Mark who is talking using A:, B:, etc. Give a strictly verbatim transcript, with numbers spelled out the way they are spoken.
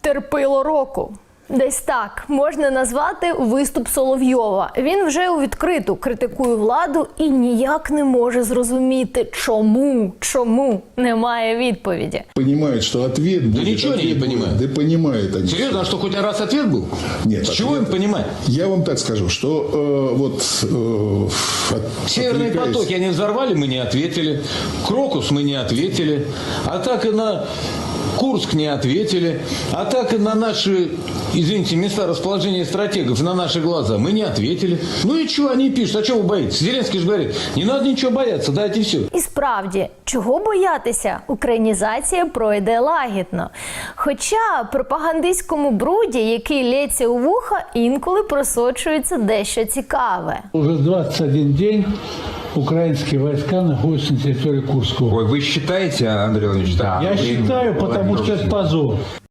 A: Терпило року. Десь так можна назвати виступ Соловйова. Він вже у відкриту критикує владу і ніяк не може зрозуміти, чому, чому немає відповіді.
B: Понимает, что ответ будет.
C: Да ничего они не понимают.
B: Да понимают они.
C: Серьезно, а что, хоть раз ответ был?
B: Нет.
C: С чего им понимать?
B: Я вам так скажу, что э, вот... Э, от,
C: Северный
B: отвлекаясь-
C: потоки они взорвали, мы не ответили. Крокус мы не ответили. А так и на Курск не ответили. А так и на наши, извините, места расположения стратегов, на наши глаза мы не ответили. Ну и что они пишут? А чего вы боитесь? Зеленский же говорит, не надо ничего бояться, дайте все.
A: І справді, чого боятися? Українізація пройде лагідно. Хоча пропагандистському бруді, який лється у вуха, інколи просочується дещо цікаве.
D: Уже двадцать один день украинские войска находятся на территории Курского.
E: Ой, вы считаете, Андрей Владимирович?
D: Я
E: Блин,
D: считаю,
E: Владимир
D: потому что это
E: Владимирович.
D: позор.